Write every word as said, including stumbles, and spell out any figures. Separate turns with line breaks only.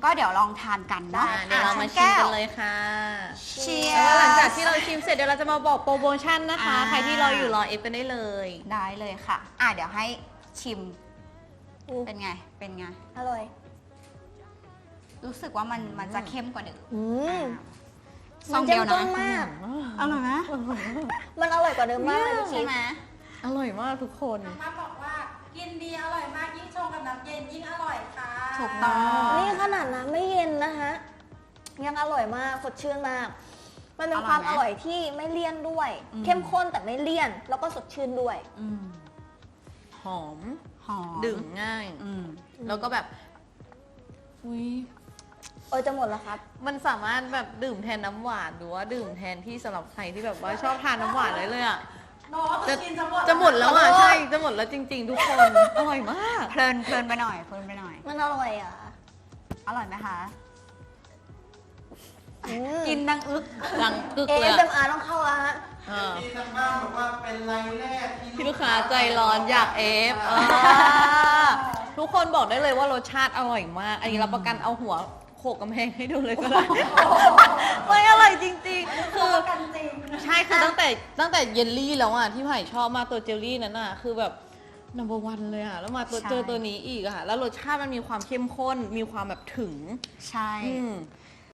ก็เดี๋ยวลองทานกันเนาะ
เดี๋ยวเรามาชิมกันเลยค่ะ
เชีย
แล้ว
ร์
หลังจากที่เราชิมเสร็จเดี๋ยวเราจะมาบอกโปรโมชั่นนะคะ
อ่า
ใครที่รออยู่รอเอฟกันได้เลย
ได้เลยค่ะอ่ะเดี๋ยวให้ชิมเป็นไงเป็นไง
อร่อย
รู้สึกว่ามันมันจะเข้มกว่าเดิม
อืม
ซองเดียว
มันเข้
นะ
มข้นมาก
อร่อยไหม
มันอร่อยกว่าเดิมมากเลยพี่
ใช่
ชิป
ไหม
อร่อยมากทุกคน
มาบอกว่ากินดีอร่อยมากยิ่งชงกับน้ำเย็นยิ่งอร่อยค่ะ
ถูกต้อง
นี่ขนาดน้ำไม่เย็นนะคะยังอร่อยมากสดชื่นมาก มันเป็นความอร่อยที่ไม่เลี่ยนด้วย เข้มข้นแต่ไม่เลี่ยน แล้วก็สดชื่นด้วย
อืม
หอม
หอม
ดื่มง่าย
อืม
แล้วก็แบบอุ้ย
เออจะหมดแล้วครับ
มันสามารถแบบดื่มแทนน้ำหวานหรือว่าดื่มแทนที่สำหรับใครที่แบบว่าชอบทานน้ำหวานเลยเลยอ่ะ
โน้ต
จะ
กินจะหมด
จะหมดแล้วอ่ะ
ขอโทษ
ใช่จะหมดแล้วจริง ๆ ทุกคน อร่อยมาก
เพลินเพลินไปหน่อยเพลินไปหน่อย
มันอร่อยอ่ะ
อร่อยไหมคะ
อืม
กินดังอึก
ดังกึก
เอ
เลย
ส
อะ
เอ็มอาร์ต้องเข้าแล้วฮะ
อ่า
ที่ทางบ้านบอกว่าเป็นไลน์แรก
ที่ลูกค้าใจร้อนอยากเอฟอ่าทุกคนบอกได้เลยว่ารสชาติอร่อยมาก อันนี้รับประกันเอาหัวโขกกำแพงให้ดูเลยก็ได้ ไม่อร่อยจริงๆ คือ
กันจริง
ใช่คือตั้งแต่ตั้งแต่เยลลี่แล้วอ่ะที่ไผ่ชอบมากตัวเจลลี่นั้นอ่ะคือแบบ number one เลยอ่ะแล้วมาตัว
ใช่
เจอตัวนี้อีกอ่ะแล้วรสชาติมันมีความเข้มข้นมีความแบบถึง
ใช่
อืม